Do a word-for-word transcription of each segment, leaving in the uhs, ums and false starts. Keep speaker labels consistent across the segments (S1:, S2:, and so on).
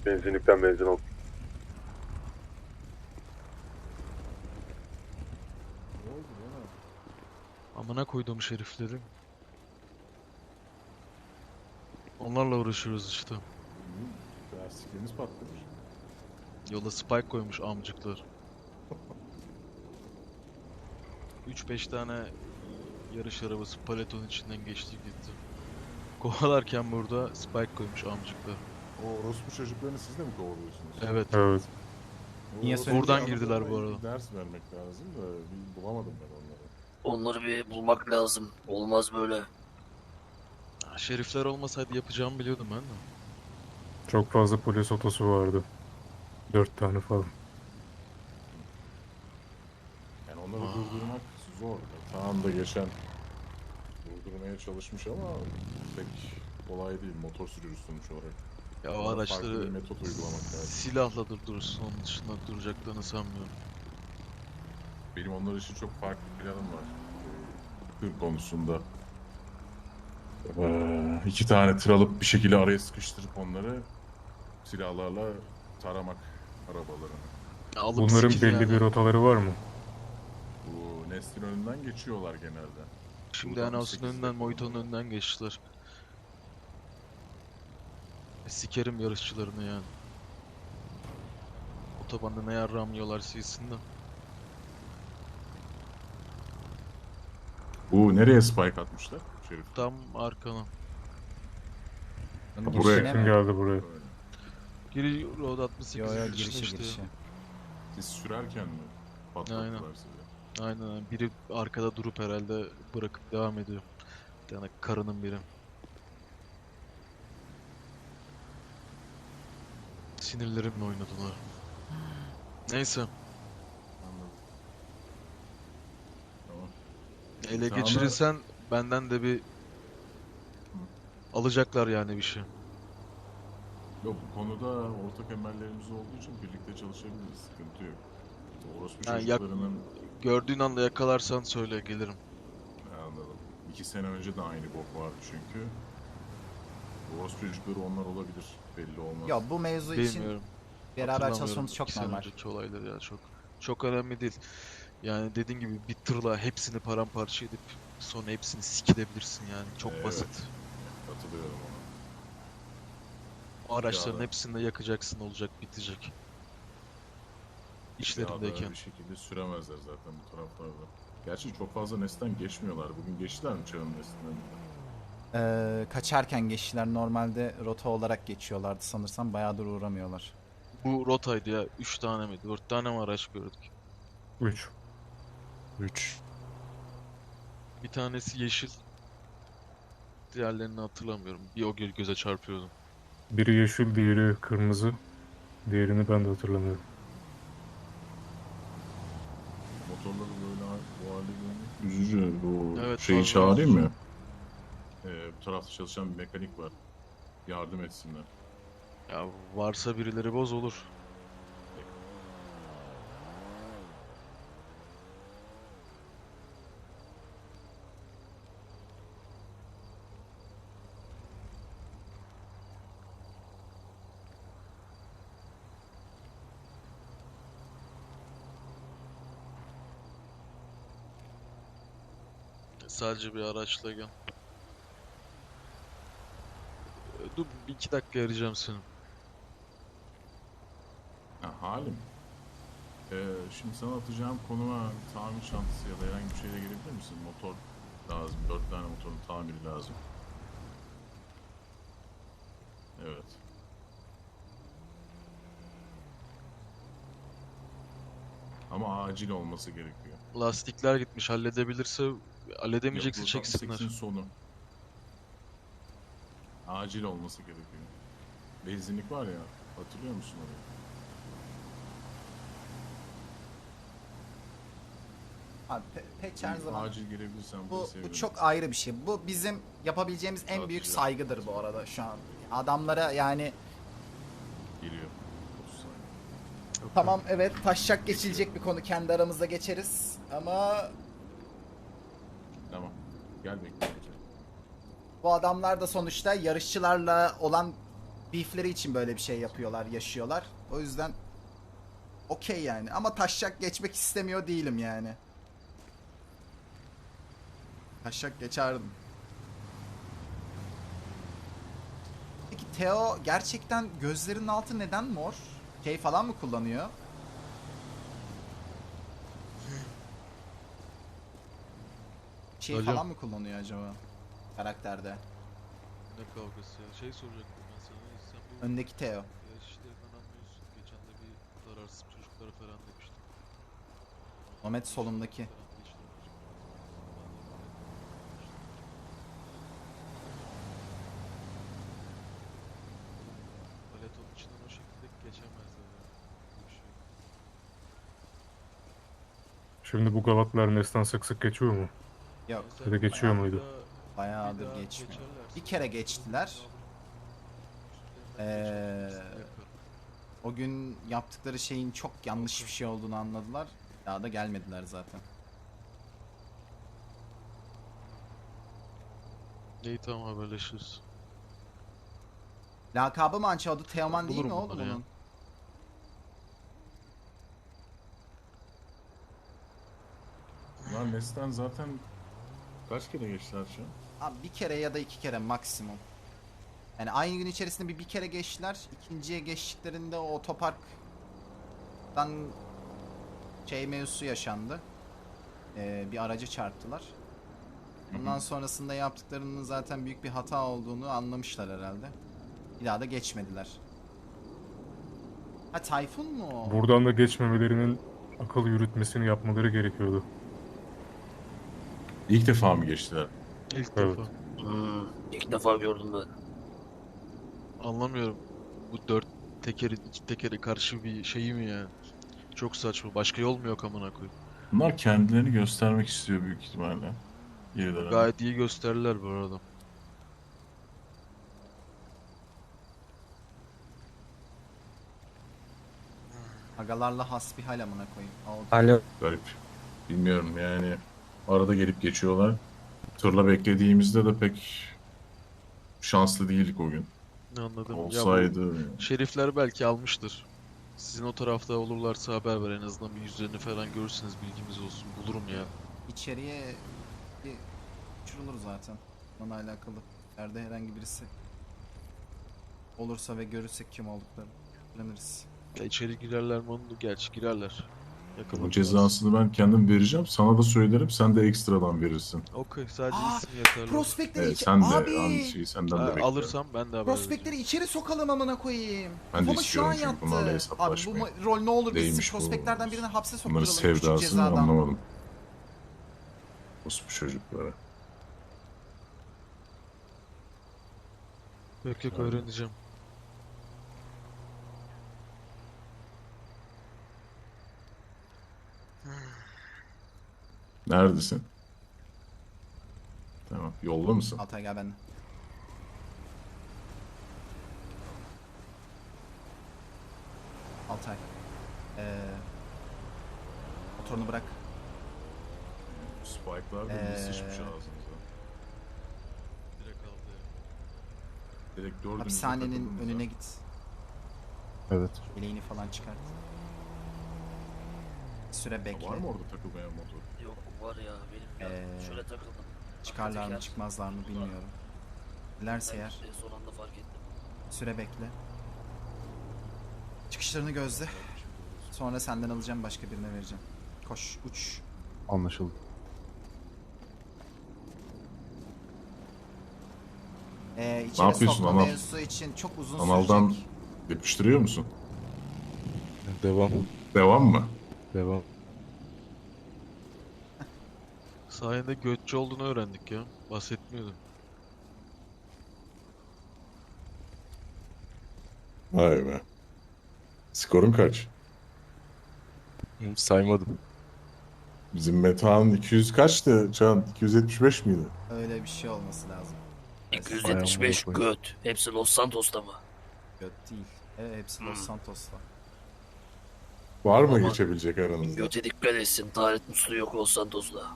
S1: Benzinlikten benzin al.
S2: Ne oldu lan abi?
S3: Amına koyduğum şerifleri. Onlarla uğraşıyoruz işte.
S2: Hı, lastikleriniz patlamış.
S3: Yola spike koymuş amcıklar. üç beş tane yarış arabası paleton içinden geçti gitti. Kovalarken burada spike koymuş amcıklar.
S2: O orospu çocuklarını siz de mi kovalıyorsunuz?
S3: Evet.
S1: Evet.
S2: O
S4: Niye
S2: orospu
S4: söyledin?
S3: Buradan
S2: çocuklarına
S3: girdiler bu
S2: bir
S3: arada.
S2: Ders vermek lazım da bir bulamadım ben onları.
S5: Onları bir bulmak lazım. Olmaz böyle.
S3: Ha, şerifler olmasaydı yapacağımı biliyordum ben de.
S1: Çok fazla polis otosu vardı. Dört tane falan.
S2: Yani onları
S3: Aa.
S2: durdurmak zor. Tamam da geçen durdurmaya çalışmış ama pek kolay değil. Motor sürücüsü sonuç olarak.
S3: Ya o
S2: Ona farklı bir
S3: araçları
S2: metot uygulamak lazım.
S3: silahla durdurursun, onun dışında duracaklarını sanmıyorum.
S2: Benim onlar için çok farklı bir planım var. Tır konusunda. Ee, iki tane tır alıp bir şekilde araya sıkıştırıp onları silahlarla taramak arabalarını.
S3: Ya alıp
S1: Bunların
S3: sikil
S1: belli
S3: yani.
S1: bir rotaları var mı?
S2: Bu neslin önünden geçiyorlar genelde.
S3: Şimdi
S2: Buradan
S3: Enos'un
S2: sekizde
S3: önünden, Moito'nun
S2: kullanıyorlar.
S3: önünden geçtiler. E, sikerim yarışçılarını yani. Otobanda ne yarram yiyorlar silsin de.
S2: Bu nereye spike atmışlar? Şerif.
S3: Tam arkana.
S4: Bunun
S2: Buraya
S4: girişine
S1: Kim
S4: mi?
S1: geldi buraya?
S2: Böyle.
S3: Giri Road altmış sekiz
S4: Yo yo
S3: girişine
S4: girişi
S3: işte.
S4: girişi.
S2: Siz sürerken mi patlattılar
S3: Aynen.
S2: sizi?
S3: Aynen aynen. Biri arkada durup herhalde bırakıp devam ediyor. Bir tane karının biri. Sinirlerimle oynadılar. Neyse.
S2: Anladım. Tamam.
S3: Ele
S2: Sana-
S3: geçirirsen benden de bir alacaklar yani bir şey.
S2: Yok bu konuda ortak emellerimiz olduğu için birlikte çalışabiliriz. Sıkıntı yok. Orospu
S3: Ha, yak-
S2: çocuklarının
S3: Gördüğün anda yakalarsan söyle gelirim.
S2: Ha, anladım. İki sene önce de aynı bok vardı çünkü. Orospu çocukları onlar olabilir. Belli olmaz.
S4: Ya bu mevzu için
S3: Bilmiyorum.
S4: beraber
S3: Hatırlamıyorum
S4: çalışmamız çok
S3: iki sene
S4: normal.
S3: önceki olayları ya çok. Çok önemli değil. Yani dediğin gibi bir tırla hepsini paramparça edip sonra hepsini sikilebilirsin yani. Çok
S2: Evet.
S3: basit.
S2: Katılıyorum ona.
S3: O araçların
S2: Ya da-
S3: hepsini de yakacaksın, olacak, bitecek.
S2: Ya da
S3: İşlerindeyken.
S2: bir şekilde süremezler zaten bu taraflarda. Gerçi çok fazla nesten geçmiyorlar. Bugün geçtiler mi çağın neslinden?
S4: Ee, kaçarken geçtiler, normalde rota olarak geçiyorlardı sanırsam, bayağıdır uğramıyorlar.
S3: Bu rotaydı ya. Üç tane mi? Dört tane mi araç gördük?
S1: Üç.
S4: üç.
S3: Bir tanesi yeşil. Diğerlerini hatırlamıyorum. Bir o gö- göze çarpıyordu.
S1: Biri yeşil, diğeri kırmızı. Diğerini ben de hatırlamıyorum.
S2: Motorları böyle ha- bu halde görmek üzücü. Bu
S3: Evet,
S2: şeyi
S3: fazla
S2: çağırayım
S3: üzücü.
S2: mı? Ee, bu tarafta çalışan bir mekanik var. Yardım etsinler.
S3: Ya varsa birileri boz olur. Sadece bir araçla gel. Ee, Dur bir iki dakika arayacağım seni.
S2: Ha, halim. Ee, şimdi sana atacağım konuma tamir çantası ya da herhangi bir şeyle gelebilir misin? Motor lazım. Dört tane motorun tamiri lazım. Evet. Ama acil olması gerekiyor.
S3: Lastikler gitmiş. Halledebilirse halledemeyecekse
S2: Yok, bu tam
S3: çeksinler.
S2: seksin sonu. Acil olması gerekiyor. Benzinlik var ya, hatırlıyor musun orayı?
S4: Abi pe- pek her
S2: Bir
S4: zaman
S2: Acil gelebilirsen
S4: bu,
S2: bunu
S4: bu
S2: sevinirim.
S4: çok ayrı bir şey. Bu bizim yapabileceğimiz en büyük
S2: Atacağım.
S4: saygıdır bu arada şu an. Adamlara yani
S2: Geliyor. otuz saniye.
S4: tamam, evet, taşacak geçilecek bir konu, kendi aramızda geçeriz ama
S2: Tamam. Gel bekle.
S4: bu adamlar da sonuçta yarışçılarla olan beefleri için böyle bir şey yapıyorlar, yaşıyorlar. O yüzden okey yani. Ama taşak geçmek istemiyor değilim yani. Taşak geçerdim. Peki Theo gerçekten gözlerinin altı neden mor? Şey falan mı kullanıyor? Şey
S3: Alo.
S4: falan mı kullanıyor acaba karakterde?
S3: Ne kavgası ya? Şey soracaktım ben sana. Sen bu
S4: Öndeki Theo.
S3: yarış işlerinden anlıyorsun. Geçen de bir zararsız çocuklara falan demiştin.
S4: Ahmet solumdaki.
S3: Falan da işler var. Paletonun içinden o şekilde geçemezler ya. Bu şey.
S1: Şimdi bu galatlar Nes'ten sık sık geçiyor mu?
S4: Yok.
S3: Mesela
S1: Ya da geçiyor
S3: bir
S1: muydu?
S3: daha- bir
S4: Bayağıdır
S3: daha
S4: geçmiyor.
S3: geçerlerse
S4: Bir kere geçtiler.
S3: üstlerinden
S4: Ee,
S3: geçerlerse yakarım.
S4: O gün yaptıkları şeyin çok yanlış bir şey olduğunu anladılar. Daha da gelmediler zaten.
S3: İyi tamam haberleşiriz.
S4: Lakabı mı Ança? Adı Teoman değil mi
S3: Bulurum
S4: oğlum
S3: bunları ya.
S4: onun?
S2: Bunlar Nes'ten zaten kaç kere geçtiler şu an?
S4: Abi bir kere ya da iki kere maksimum. Yani aynı gün içerisinde bir bir kere geçtiler. İkinciye geçtiklerinde o otoparktan şey mevzusu yaşandı. Ee, bir araca çarptılar. Ondan sonrasında yaptıklarının zaten büyük bir hata olduğunu anlamışlar herhalde. Bir daha da geçmediler. Ha Tayfun mu o?
S1: Buradan da geçmemelerinin akıl yürütmesini yapmaları gerekiyordu.
S2: İlk defa mı geçtiler?
S3: İlk
S1: Evet.
S3: defa.
S5: Hmm, ilk defa gördüm ben.
S3: Anlamıyorum. Bu dört tekerin iki tekeri karşı bir şeyi mi ya? Çok saçma. Başka yol mu yok amına koyayım?
S2: Bunlar kendilerini göstermek istiyor büyük ihtimalle. Birileri.
S3: Gayet iyi gösterirler bu arada.
S4: Agalarla hasbihal amına koyayım. Oldu.
S6: Alo.
S2: Garip. Bilmiyorum yani. Arada gelip geçiyorlar. Tırla beklediğimizde de pek şanslı değildik o gün.
S3: Ne anladım. Ya
S2: Olsaydı...
S3: bu şerifler belki almıştır. Sizin o tarafta olurlarsa haber ver, en azından bir yüzlerini falan görürseniz bilgimiz olsun. Bulurum ya.
S4: İçeriye bir uçurulur zaten. Onunla alakalı. Nerede herhangi birisi olursa ve görürsek kim olduklarını öğreniriz.
S3: Ya içeri girerler mi onu da gerçi girerler.
S2: Bu
S3: Yakalamak
S2: cezasını ben kendim vereceğim. Sana da söylerim. Sen de ekstradan verirsin.
S3: lazım. Okey, sadece
S4: Aa,
S3: isim yeterli.
S4: Prospektleri
S2: Evet,
S4: içe-
S2: sen de
S4: Abi!
S2: aynı şeyi senden de
S3: Ha,
S2: bekliyorum.
S3: alırsam ben de haber
S4: Prospektleri
S3: vereceğim.
S4: içeri sokalım amına koyayım.
S2: Ben de
S4: Kafama şu
S2: istiyorum
S4: an
S2: çünkü
S4: yattı.
S2: bunlarla
S4: Abi bu
S2: hesaplaşmayı.
S4: ma- rol ne olur biz
S2: Neymiş bu?
S4: prospektlerden birini hapse
S2: Bunların
S4: sokturalım küçük
S2: sevdasını
S4: cezadan.
S2: anlamadım. Bu çocuklara.
S3: Yok yok, öğreneceğim.
S2: Neredesin? Tamam. Yolda mısın?
S4: Altay gel benimle. Altay. Ee, motorunu bırak.
S2: Spike'lar da
S4: Ee,
S2: ee... sıçmış ağzınıza.
S3: Direkt aldı ya.
S2: Direkt dördünüzü
S4: Hapishanenin
S2: takıldınız
S4: önüne
S2: ha.
S4: git.
S6: Evet.
S4: Bileğini falan çıkart. Bir süre bekle.
S2: Var mı orada takılmayan motor?
S5: Yok var ya benim ya.
S4: Ee,
S5: Şöyle takıldım.
S4: Çıkarlar mı
S5: Teker.
S4: çıkmazlar mı bilmiyorum. Dilerse
S5: Ben
S4: eğer
S5: de son anda fark ettim.
S4: bir süre bekle. Çıkışlarını gözle. Sonra senden alacağım, başka birine vereceğim. Koş, uç.
S6: Anlaşıldı.
S4: Ee, içeri
S2: yapıyorsun
S4: sokma
S2: Anal?
S4: mevzusu için çok uzun
S2: Analdan
S4: sürecek.
S2: yapıştırıyor musun?
S6: Devam.
S2: Devam mı?
S6: Devam.
S3: Sayende götçü olduğunu öğrendik ya. Bahsetmiyordum.
S2: Vay be. Skorun kaç?
S6: Saymadım.
S2: Bizim Metehan iki yüz kaçtı? Can iki yüz yetmiş beş miydi?
S4: Öyle bir şey olması lazım.
S5: iki yüz yetmiş beş
S6: Ayağımı
S5: göt. Hepsi Los Santos'ta mı?
S4: Göt değil. Evet, hepsi Los
S5: Hmm.
S4: Santos'ta.
S2: Var mı
S5: Ama-
S2: geçebilecek aranızda?
S5: Göte dikkat etsin. Taharet musluğu yok Los Santos'ta.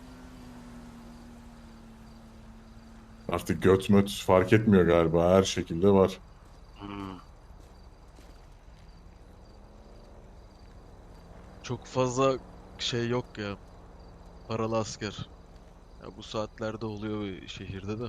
S2: Artık göt möt fark etmiyor galiba. Her şekilde var.
S5: Hmm.
S3: çok fazla şey yok ya. Paralı asker. Ya bu saatlerde oluyor bir şehirde de.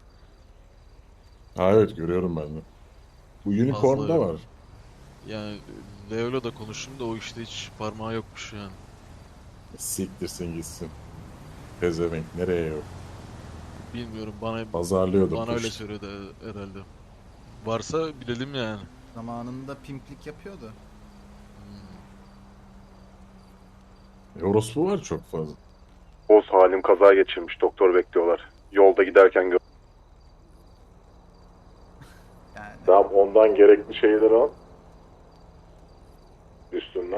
S2: Ha evet, görüyorum ben de. Bu Unicorn'da
S3: Fazla
S2: var.
S3: yani Leo'yla da konuştum da o işte hiç parmağı yokmuş yani.
S2: Siktirsin gitsin. Pezevenk nereye yok.
S3: Bilmiyorum bana
S2: Pazarlıyordur
S3: bana öyle
S2: kuş.
S3: söyledi herhalde. Varsa bilelim yani.
S4: Zamanında pimplik yapıyordu.
S3: Hmm.
S2: E, orospu var çok fazla.
S6: Boz halim kaza geçirmiş. Doktor bekliyorlar. Yolda giderken gör.
S4: Yani
S6: Tamam, ondan gerekli şeyleri al. Üstünden.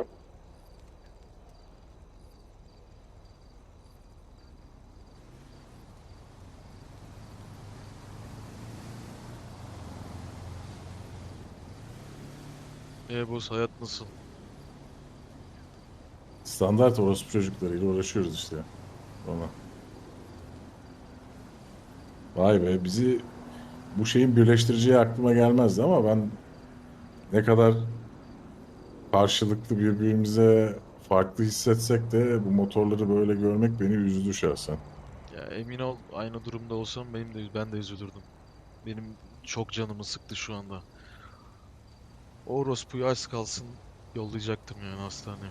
S3: E boss hayat nasıl?
S2: Standart orospu çocuklarıyla uğraşıyoruz işte. Ona. Vay be, bizi bu şeyin birleştireceği aklıma gelmezdi ama ben ne kadar karşılıklı birbirimize farklı hissetsek de bu motorları böyle görmek beni üzdü şahsen.
S3: Ya emin ol aynı durumda olsam benim de ben de üzülürdüm. Benim çok canımı sıktı şu anda. O orospuyu az kalsın yollayacaktım yani hastaneye.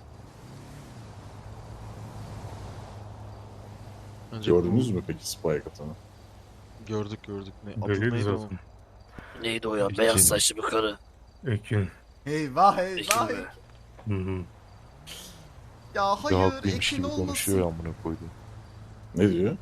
S3: Ancak
S2: Gördünüz
S3: bu
S2: mü peki Spike atanı?
S3: gördük gördük. Ne adı
S1: Belliydi
S3: neydi onun?
S1: zaten.
S5: Neydi o ya?
S3: Ekin.
S5: Beyaz saçlı bir karı.
S1: Ekin.
S4: eyvah
S5: Ekin
S4: eyvah.
S5: mi?
S1: Hı hı.
S4: Ya
S6: Bir de
S4: hayır
S6: haklıymış
S4: Ekin
S6: gibi konuşuyor ya
S4: olmasın.
S6: amına koyduğum.
S2: Ne diyor?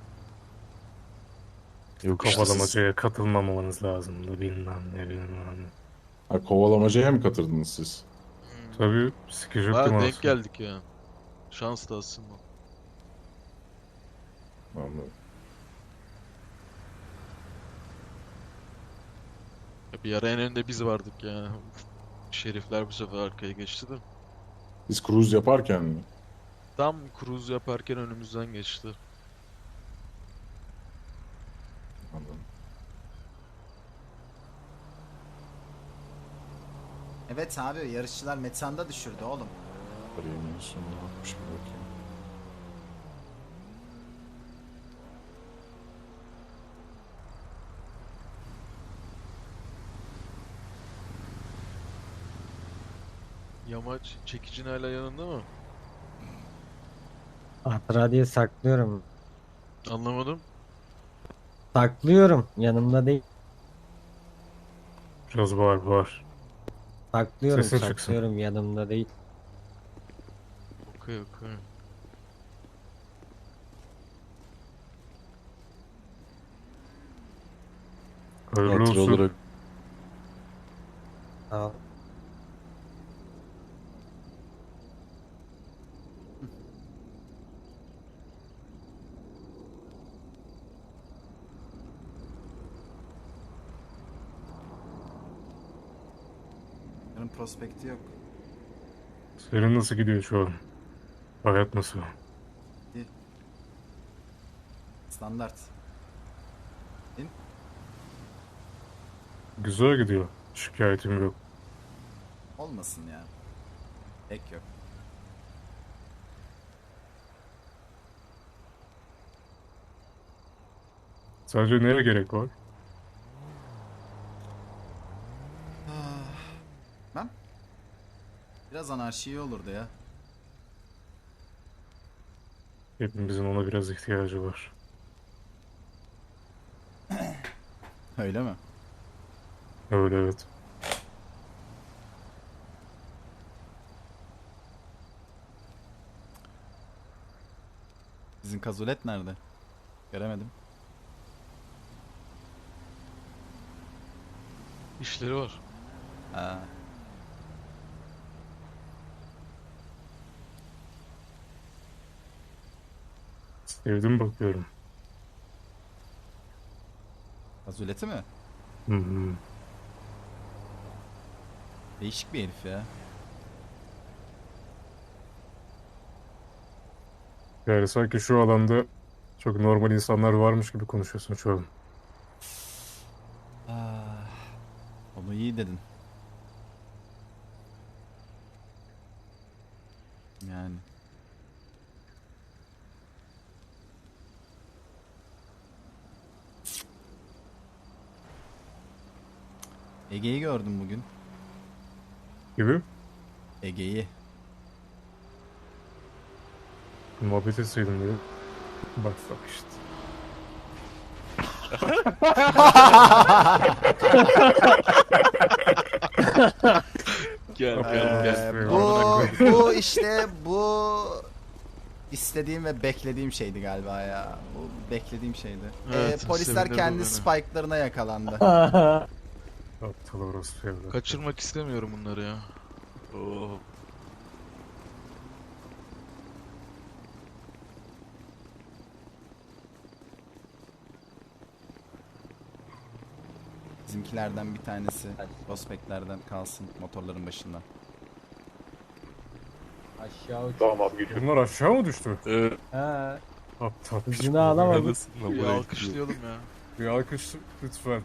S6: Yok işte siz
S1: Kovalamacaya katılmamamanız lazımdı bilmem ne bilmem ne.
S2: Ha, kovalamacaya mı katıldınız siz?
S3: Hmm.
S1: Tabii sikecektim
S3: Baya denk
S1: aslında.
S3: geldik ya. Şans da aslında.
S2: Anladım.
S3: Ya bir ara en önde biz vardık ya. Şerifler bu sefer arkaya geçti de.
S2: Biz cruise yaparken mi?
S3: Tam cruise yaparken önümüzden geçti.
S2: Anladım.
S4: Evet abi yarışçılar metanda düşürdü oğlum.
S2: Arayayım sonuna bakmış bir bakayım.
S3: Yamaç çekicin hala yanında mı?
S7: Hatıra diye saklıyorum.
S3: Anlamadım.
S7: Saklıyorum. Yanımda değil.
S1: Biraz bağır bağır.
S7: Saklıyorum,
S1: Sesin çıksın.
S7: saklıyorum. Yanımda değil.
S3: Okey okey.
S1: Hayırlı
S6: hatır
S1: olsun.
S6: olarak
S7: Sağ ol.
S4: Yarın prospekti yok.
S1: Senin nasıl gidiyor şu an? Hayat nasıl?
S4: Standart.
S1: Güzel gidiyor. Şikayetim yok.
S4: Olmasın ya. Pek yok.
S1: Sadece neye gerek var?
S4: Ben? Biraz anarşi iyi olurdu ya.
S1: Hepimizin ona biraz ihtiyacı var.
S4: Öyle mi?
S1: Öyle evet.
S4: Sizin kazulet nerede? Göremedim.
S3: İşleri var.
S4: Ha.
S1: Sevdim bakıyorum.
S4: Kazuleti mi?
S1: Hı hı.
S4: Değişik bir herif ya.
S1: Yani sanki şu alanda çok normal insanlar varmış gibi konuşuyorsun şu an.
S4: Ah, onu iyi dedin. Yani. Ege'yi gördüm bugün.
S1: Gibi.
S4: Ege'yi.
S1: Muhabbet etseydin diye. Bak bak işte.
S3: Gel
S1: Ee,
S3: gel gel.
S4: bu, bu işte bu istediğim ve beklediğim şeydi galiba ya. Bu beklediğim şeydi.
S3: Evet,
S4: Ee, polisler
S3: sevindirdi
S4: kendi
S3: beni.
S4: spike'larına yakalandı.
S1: Aptal orospu evlat.
S3: Kaçırmak istemiyorum bunları ya. Oh.
S4: Bizimkilerden bir tanesi prospektlerden kalsın motorların başında.
S7: Aşağı uç.
S6: Tamam abi gidiyorum.
S1: Bunlar aşağı mı düştü?
S3: Ee,
S7: Ha,
S1: Aptal piç.
S7: hızını alamadık.
S3: bir alkışlayalım ya.
S1: Bir alkış lütfen.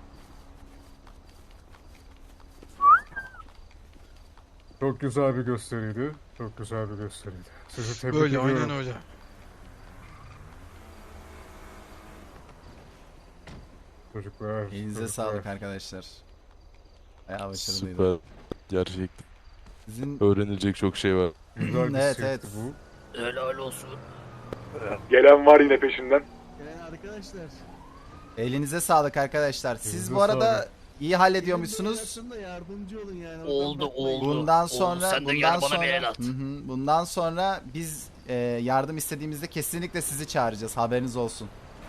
S1: Çok güzel bir gösteriydi. Çok güzel bir gösteriydi. Sizi tebrik
S3: Böyle
S1: ediyorum.
S3: aynen öyle.
S1: Çocuklar.
S4: Elinize
S1: çocuklar.
S4: sağlık arkadaşlar. Bayağı başarılıydı.
S8: Süper. Gerçekten.
S4: Sizin
S8: Öğrenilecek çok şey var.
S1: Güzel bir
S4: Evet,
S1: sirkti
S4: evet.
S1: bu.
S5: Helal olsun.
S6: Gelen var yine peşinden.
S4: elinize sağlık arkadaşlar. Siz
S1: Elinize
S4: bu arada
S1: sağlık.
S4: iyi hallediyormuşsunuz.
S5: Oldu oldu.
S4: Bundan
S5: Oldu.
S4: sonra
S5: Sen de
S4: bundan
S5: gel bana
S4: sonra
S5: bir el at.
S4: Hı hı. bundan sonra biz e, yardım istediğimizde kesinlikle sizi çağıracağız. Haberiniz olsun.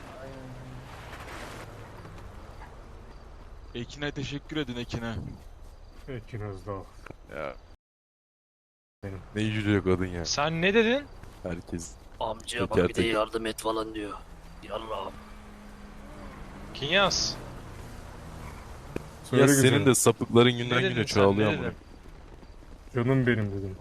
S3: Ekin'e teşekkür edin Ekin'e.
S1: Ekin Özdağ.
S8: Ya.
S1: Benim.
S8: Ne yüce kadın ya.
S9: Sen ne dedin?
S8: Herkes.
S5: Amcaya
S8: Teker
S5: bak bir de
S8: teker.
S5: yardım et falan diyor. Yallah.
S9: Kinyas.
S1: Söyle
S8: Ya
S1: güzelim.
S8: senin de sapıkların günden
S9: Ne dedin
S8: güne
S9: sen,
S8: çoğalıyor
S9: ne
S8: ama.
S9: dedin?
S1: Canım benim dedim.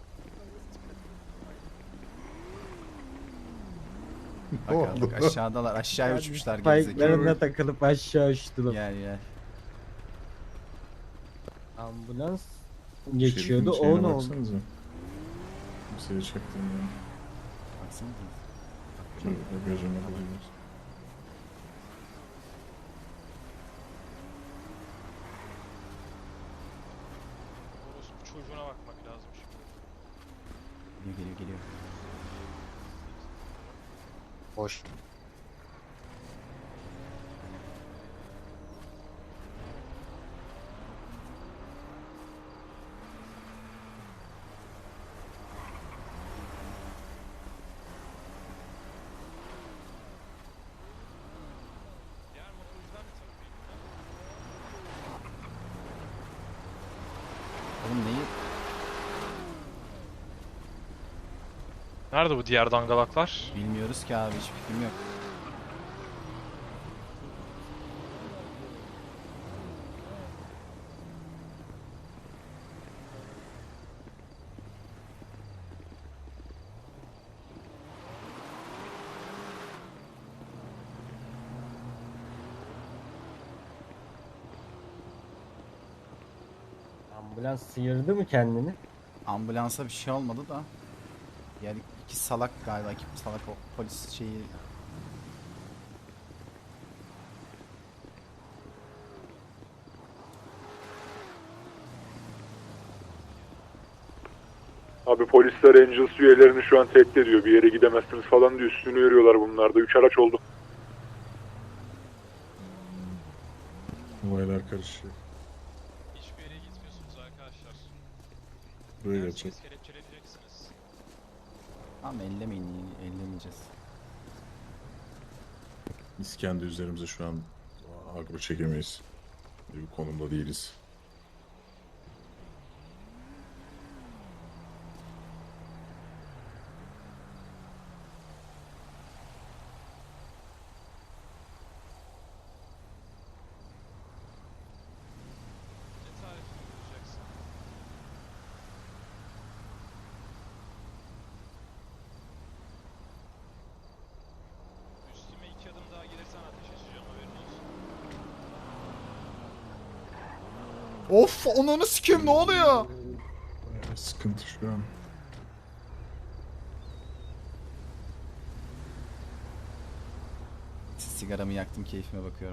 S4: Bakalım aşağıdalar. Aşağıya uçmuşlar gerizekalı.
S7: Spike'larına takılıp aşağı uçtular.
S4: Gel gel.
S7: Ambulans geçiyordu, o ne oldu?
S2: Kimseye çaktım ya.
S4: Baksana.
S2: Şöyle gözüme koyuyoruz.
S9: Orospu çocuğuna bakmak lazım şimdi.
S4: Geliyor geliyor geliyor.
S7: Boş.
S9: Diğer motorcular ne tarafı?
S4: Oğlum neyi?
S9: Nerede bu diğer dangalaklar?
S4: Bilmiyoruz ki abi, hiç fikrim yok.
S7: Ambulans sıyırdı mı kendini?
S4: Ambulansa bir şey olmadı da. Yani iki salak galiba, iki salak o polis şeyi.
S6: Abi polisler Angels üyelerini şu an tehdit ediyor. Bir yere gidemezsiniz falan diye üstünü yürüyorlar bunlar da. Üç araç oldu.
S2: Olaylar karışıyor.
S9: Hiçbir yere gitmiyorsunuz arkadaşlar.
S2: Buraya
S9: Derseniz
S2: geçecek.
S9: kelepçeleyeceksiniz.
S4: Tamam, ellemeyin, ellemeyeceğiz.
S2: Biz kendi üzerimize şu an agro çekemeyiz. Bir konumda değiliz.
S9: Ne tarifi uygulayacaksın? Üstüme iki adım daha gelirsen ateş açacağım, haberin olsun.
S4: Of, onunu sikeyim, ne oluyor?
S2: Bayağı sıkıntı şu an.
S4: Sigaramı yaktım, keyfime bakıyorum.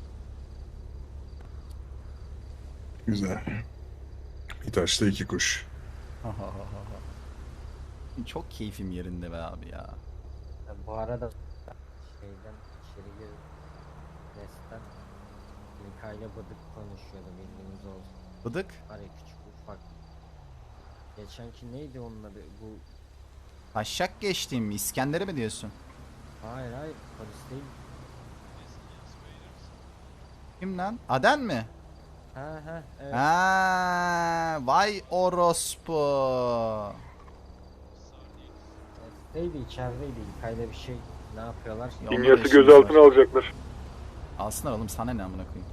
S10: Güzel. Bir taşla iki kuş.
S4: Çok keyfim yerinde be abi ya.
S7: Ya bu arada şeyden içeri gir. Resten İlkay'la Bıdık konuşuyordu, bildiğiniz olsun.
S4: Bıdık.
S7: Var ya, küçük ufak. Geçenki neydi onun adı? Bu
S4: Taşak geçtiğim mi? İskender'i mi diyorsun?
S7: hayır hayır, polis değil.
S4: Kim lan? Aden mi?
S7: Ha ha evet.
S4: Ha, vay orospu.
S7: Neydi, içerideydi. İlkay'la bir şey ne yapıyorlar?
S4: Ya onun da
S6: İmyası
S4: işimiz
S6: gözaltına
S4: var.
S6: alacaklar.
S4: Alsınlar oğlum, sana ne amına koyayım.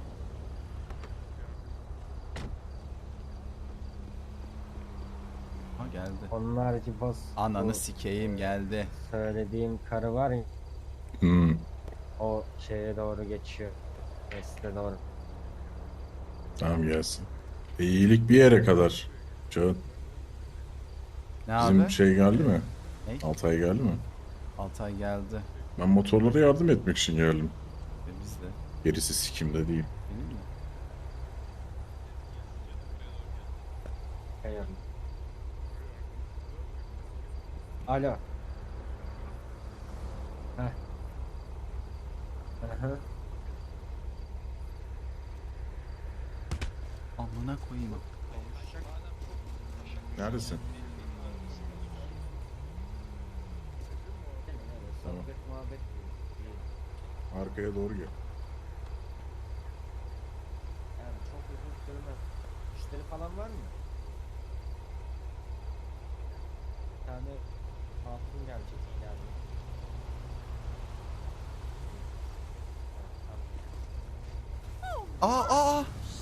S4: Ha geldi.
S7: Onun harici boss.
S4: Ananı
S7: bu
S4: sikeyim, geldi.
S7: söylediğim karı var ya,
S10: Hmm.
S7: o şeye doğru geçiyor. Reste doğru.
S10: Tamam gelsin. E, iyilik bir yere kadar. Can,
S4: Ne
S10: bizim
S4: abi?
S10: şey geldi mi?
S4: Ne?
S10: Altay geldi mi?
S4: Altay geldi.
S10: Ben motorlara yardım etmek için geldim.
S4: E biz de.
S10: Gerisi sikimde değil.
S4: Değil mi?
S7: Hayır. Alo. Heh. Aha.
S4: Amına koyayım.
S10: Neredesin? Tamam.
S7: Sohbet muhabbet.
S10: Arkaya doğru gel.
S7: Yani çok uzun sürmez. Müşteri falan var mı? Bir tane hatun gelecek yani.
S4: Aa aa.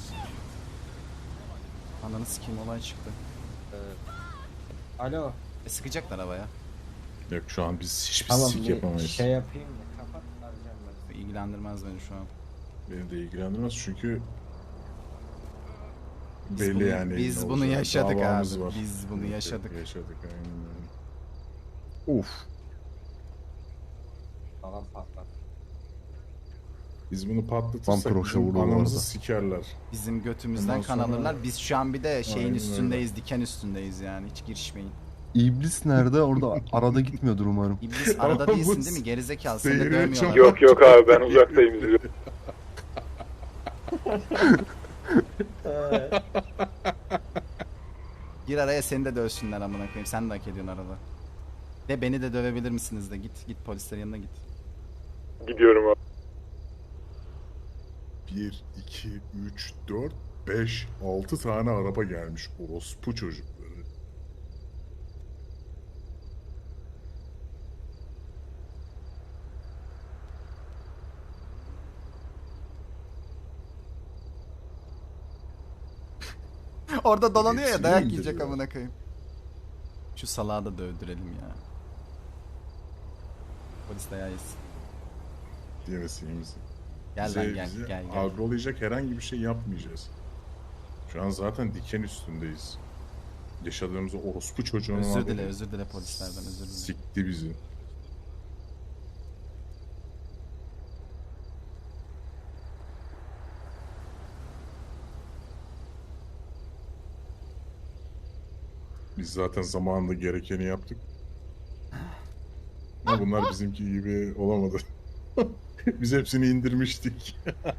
S4: Ananı sikeyim, olay çıktı.
S7: Ee, alo.
S4: E sıkacaklar havaya.
S10: Yok şu an biz hiçbir
S7: Tamam,
S10: sik
S7: bir
S10: yapamayız.
S7: şey yapayım mı? Kapat, arayacağım ben.
S4: İlgilendirmez beni şu an.
S10: Beni de ilgilendirmez çünkü
S4: Biz
S10: belli
S4: bunu-
S10: yani.
S4: biz
S10: ne
S4: bunu
S10: olacağı.
S4: yaşadık
S10: Davamız
S4: abi,
S10: var.
S4: biz bunu
S10: Evet,
S4: yaşadık.
S10: Yaşadık aynen öyle. Uf.
S7: Falan patlat.
S10: Biz bunu patlatırsak
S8: Vampir
S10: bizim
S8: vurdu bu
S10: anamızı
S8: arada.
S10: sikerler.
S4: Bizim götümüzden
S10: Ondan
S4: kan
S10: sonra-
S4: alırlar. Biz şu an bir de şeyin
S10: Aynen
S4: üstündeyiz, diken üstündeyiz yani. Hiç girişmeyin.
S8: İblis nerede? Orada arada gitmiyordur umarım.
S4: İblis arada
S10: Ama bu
S4: değilsin değil mi? Gerizekalı, seni de
S10: seyri
S4: dövmüyorlar.
S10: çok-
S6: Yok yok abi, ben uzaktayım izliyorum.
S4: Gir araya, seni de dövsünler amına koyayım. Sen de hak ediyorsun arada. De beni de dövebilir misiniz de, git git polislerin yanına git.
S6: Gidiyorum abi.
S10: bir, iki, üç, dört, beş, altı tane araba gelmiş orospu çocukları.
S4: Orada dolanıyor ya,
S10: Hepsini
S4: dayak
S10: indiriyor.
S4: yiyecek amına koyayım. Şu salağı da dövdürelim ya. Polis dayağı yesin.
S10: Diyemezsin iyi misin?
S4: Gel
S10: Bize-
S4: lan gel
S10: bize
S4: gel gel.
S10: agrolayacak herhangi bir şey yapmayacağız. Şu an zaten diken üstündeyiz. Yaşadığımız o orospu çocuğunun
S4: Özür
S10: adı
S4: dile,
S10: ne?
S4: özür dile polislerden, özür dile.
S10: Sikti bizi. Biz zaten zamanında gerekeni yaptık. Ama bunlar bizimki gibi olamadı. Biz hepsini indirmiştik.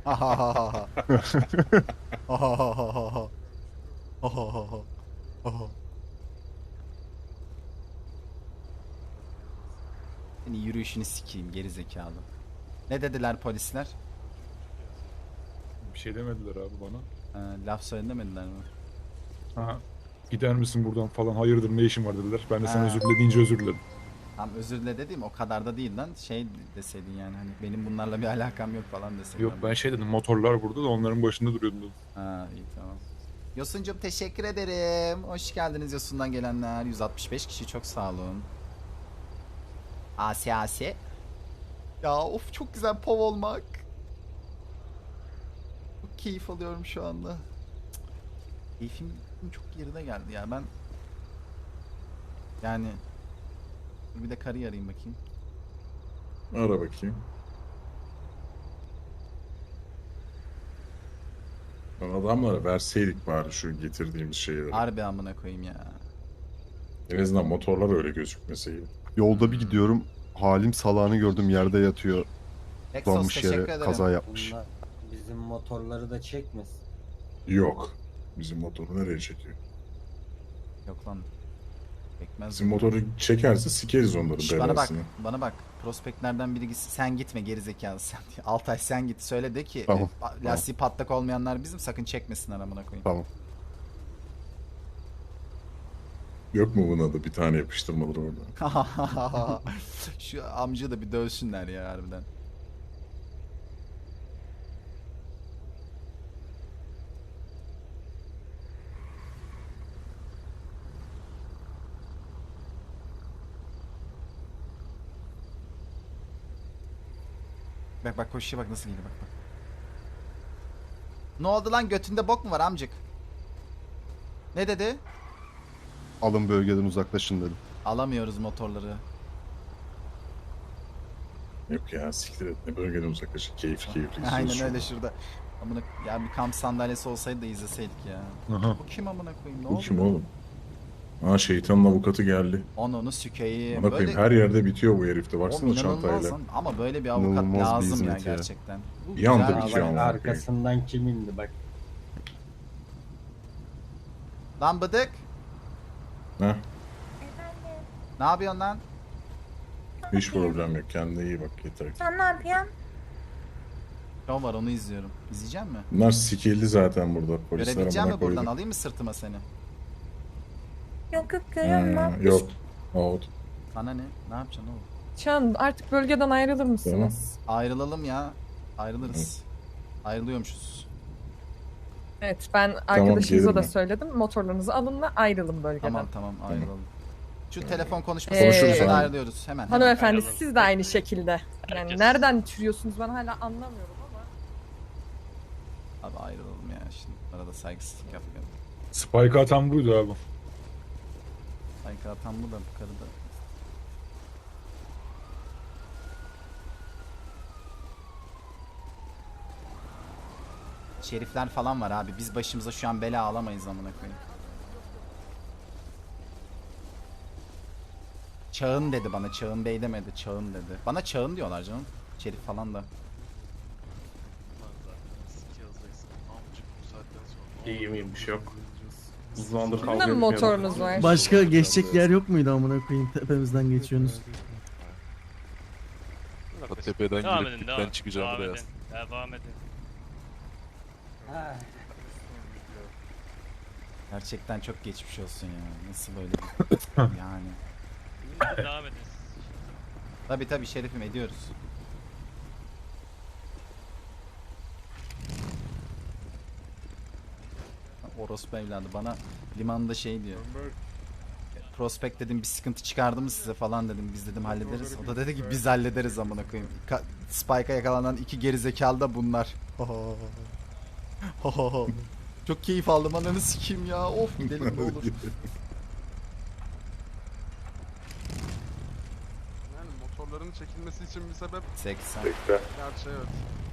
S10: Seni yürüyüşünü sikeyim geri zekalı. Ne dediler polisler?
S1: Bir şey demediler abi bana.
S4: Ha, laf söylemediler mi?
S1: Ha, gider misin buradan falan, hayırdır ne işin var dediler. Ben de sana
S4: Ha.
S1: özür dilediğince özür diledim.
S4: Tam özür dile dediğim o kadar da değil lan. Şey deseydin yani, hani benim bunlarla bir alakam yok falan deseydin.
S1: Yok ben şey dedim, motorlar burada da onların başında duruyordum dedim.
S4: Ha iyi tamam. Yosun'cum teşekkür ederim. Hoş geldiniz Yosun'dan gelenler. yüz altmış beş kişi, çok sağ olun. Asi Asi. Ya of, çok güzel pov olmak. Çok keyif alıyorum şu anda. Cık, Keyfim çok yerine geldi ya ben. Yani bir de karıyı arayayım bakayım.
S10: Ara bakayım. Lan adamlara verseydik bari şu getirdiğimiz şeyleri.
S4: Harbi amına koyayım ya.
S10: En azından motorlar öyle gözükmeseydi.
S8: Yolda bir gidiyorum. Halim salağını gördüm yerde yatıyor.
S4: Exos
S8: Donmuş
S4: teşekkür
S8: yere
S4: ederim.
S8: kaza yapmış.
S7: Bunlar bizim motorları da çekmesin.
S10: Yok. Bizim motoru nereye çekiyor?
S4: Yok lan. Bekmez.
S10: Bizim motoru çekerse sikeriz onların
S4: Şş, bana bak,
S10: belasını.
S4: bana bak. Prospektlerden biri gitsin. Sen gitme gerizekalı sen. Altay sen git. Söyle de ki
S8: Tamam,
S4: e, pa- lastiği patlak olmayanlar bizim, sakın çekmesinler amına koyayım.
S8: Tamam.
S10: Yok mu buna da bir tane yapıştırmaları orada?
S4: Şu amca da bir dövsünler ya harbiden. Bak bak koşuyor, bak nasıl geliyor, bak bak. Ne oldu lan, götünde bok mu var amcık? Ne dedi?
S8: Alın bölgeden uzaklaşın dedim.
S4: Alamıyoruz motorları.
S10: Yok ya siktir et. Ne bölgeden uzaklaşın. Keyif keyif.
S4: Aynen öyle şurada. Amına ya bir kamp sandalyesi olsaydı da izleseydik ya.
S1: Aha.
S4: Bu kim amına koyayım, ne
S10: Bu
S4: oldu?
S10: kim oğlum? Aa şeytanın avukatı geldi.
S4: Onu sükeyim.
S10: Bana koyayım her yerde bitiyor bu herifte.
S4: Oğlum
S10: Baksana
S4: inanılmaz
S10: çantayla.
S4: lan. Ama böyle bir avukat
S8: İnanılmaz bir
S4: lazım ya
S8: hizmet ya.
S4: gerçekten. Bu
S10: Bir anda
S4: güzel
S10: bitiyor
S4: şey.
S10: ama.
S7: Bak arkasından kim indi bak.
S4: Lan bıdık.
S10: Heh,
S4: Ne yapıyorsun lan?
S10: hiç problem yok. Kendine iyi bak yeter ki.
S11: Sen ne yapıyorsun?
S4: Show var, onu izliyorum. İzleyecek mi?
S10: Bunlar sikildi zaten burada. Polisler
S4: Görebileceğim
S10: amına
S4: mi buradan?
S10: koydu.
S4: Alayım mı sırtıma seni?
S11: Yok yok görüyorum
S10: Ha,
S11: ben.
S10: yok. Out.
S4: Sana ne? Ne yapacaksın oğlum?
S11: Can artık bölgeden ayrılır mısınız?
S4: Ayrılalım ya. Ayrılırız. Ayrılıyormuşuz.
S11: Evet ben arkadaşınıza
S10: gelirim
S11: da
S10: ben.
S11: söyledim. Motorlarınızı alın ve ayrılın bölgeden.
S4: Tamam tamam ayrılalım. Şu telefon konuşması
S11: Ee,
S4: konuşuruz,
S10: Konuşuruz abi.
S4: ayrılıyoruz hemen. hemen.
S11: Hanımefendi siz de aynı şekilde. Yani
S9: Herkes.
S11: nereden türüyorsunuz ben hala anlamıyorum ama.
S4: Abi ayrılalım ya şimdi. Arada saygısızlık yapmayalım.
S1: Spike atan buydu abi.
S4: Saygı atan bu da bu karı da. Şerifler falan var abi. Biz başımıza şu an bela alamayız amına koyayım. Çağın dedi bana. Çağın Bey demedi. Çağın dedi. Bana Çağın diyorlar canım. Şerif falan da.
S3: Lan zaten sik yazacaksın. Amcık bu saatten sonra.
S1: İyiyim iyiyim, bir şey yok. Uzandır
S11: Sizin de mi motorunuz var?
S3: Başka geçecek yer yok muydu amına koyayım tepemizden geçiyorsunuz. Tepeden
S9: Devam
S3: girip
S9: edin, devam.
S3: dipten çıkacağım
S9: devam
S3: buraya.
S9: edin. Devam edin.
S4: Gerçekten çok geçmiş olsun ya. Nasıl böyle bir... yani.
S9: Devam edin.
S4: Tabi tabi Şerif'im ediyoruz. Orospu evladı bana limanda şey diyor. Prospekt dedim, bir sıkıntı çıkardı mı size falan dedim. Biz dedim hallederiz. O da dedi ki biz hallederiz amına koyayım. Ka- Spike'a yakalanan iki gerizekalı da bunlar. Çok keyif aldım, ananı sikeyim ya. Of gidelim ne olur.
S6: Yani motorların çekilmesi için bir sebep
S4: seksen.
S6: gerçi evet.